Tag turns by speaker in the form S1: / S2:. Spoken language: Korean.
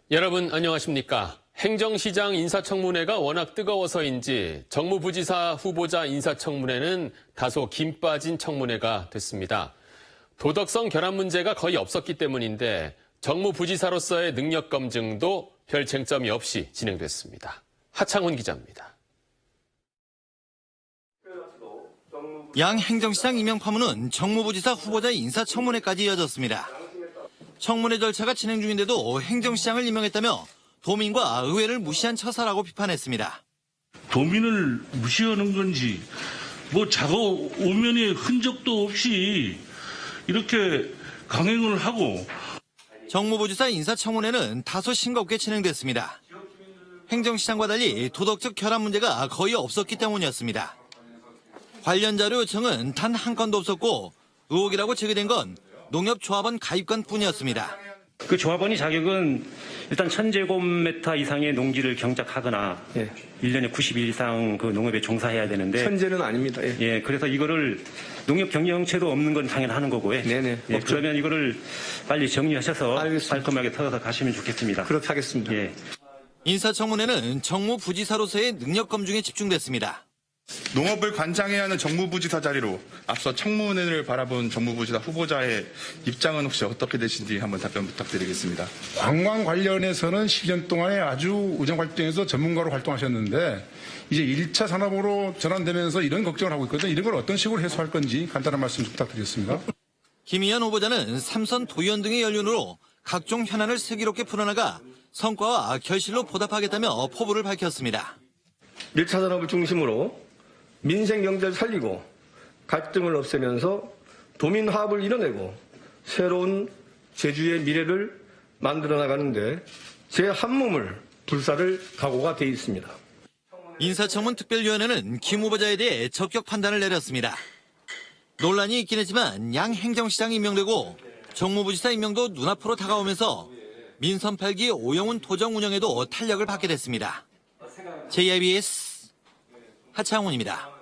S1: 여러분 안녕하십니까? 행정시장 인사청문회가 워낙 뜨거워서인지 정무부지사 후보자 인사청문회는 다소 김 빠진 청문회가 됐습니다. 도덕성 결함 문제가 거의 없었기 때문인데 정무부지사로서의 능력 검증도 별 쟁점이 없이 진행됐습니다. 하창훈 기자입니다.
S2: 양 행정시장 임명 파문은 정무부지사 후보자 인사청문회까지 이어졌습니다. 청문회 절차가 진행 중인데도 행정시장을 임명했다며 도민과 의회를 무시한 처사라고 비판했습니다.
S3: 도민을 무시하는 건지 작업 오면의 흔적도 없이 이렇게 강행을 하고.
S2: 정무부지사 인사청문회는 다소 싱겁게 진행됐습니다. 행정시장과 달리 도덕적 결함 문제가 거의 없었기 때문이었습니다. 관련 자료 요청은 단 한 건도 없었고 의혹이라고 제기된 건 농협조합원 가입건뿐이었습니다.
S4: 그 조합원이 자격은 일단 1000제곱미터 이상의 농지를 경작하거나 1년에 90일 이상 그 농업에 종사해야 되는데
S5: 현재는 아닙니다.
S4: 그래서 이거를 농협 경영체도 없는 건 당연하는 거고요. 그러면 이거를 빨리 정리하셔서 알겠습니다. 깔끔하게 털어서 가시면 좋겠습니다.
S5: 그렇게 하겠습니다.
S2: 인사청문회는 정무부지사로서의 능력 검증에 집중됐습니다.
S6: 농업을 관장해야 하는 정무부지사 자리로 앞서 청문회를 바라본 정무부지사 후보자의 입장은 혹시 어떻게 되신지 한번 답변 부탁드리겠습니다.
S7: 관광 관련해서는 10년 동안에 아주 의정 활동에서 전문가로 활동하셨는데 이제 1차 산업으로 전환되면서 이런 걱정을 하고 있거든요. 이런 걸 어떤 식으로 해소할 건지 간단한 말씀 부탁드리겠습니다.
S2: 김의현 후보자는 삼선 도의원 등의 연륜으로 각종 현안을 슬기롭게 풀어나가 성과와 결실로 보답하겠다며 포부를 밝혔습니다.
S5: 1차 산업을 중심으로 민생 경제를 살리고 갈등을 없애면서 도민 화합을 이뤄내고 새로운 제주의 미래를 만들어 나가는데 제 한 몸을 불사를 각오가 돼 있습니다.
S2: 인사청문 특별위원회는 김 후보자에 대해 적격 판단을 내렸습니다. 논란이 있긴 했지만 양 행정시장이 임명되고 정무부지사 임명도 눈앞으로 다가오면서 민선 8기 오영훈 도정 운영에도 탄력을 받게 됐습니다. JIBS 하창훈입니다.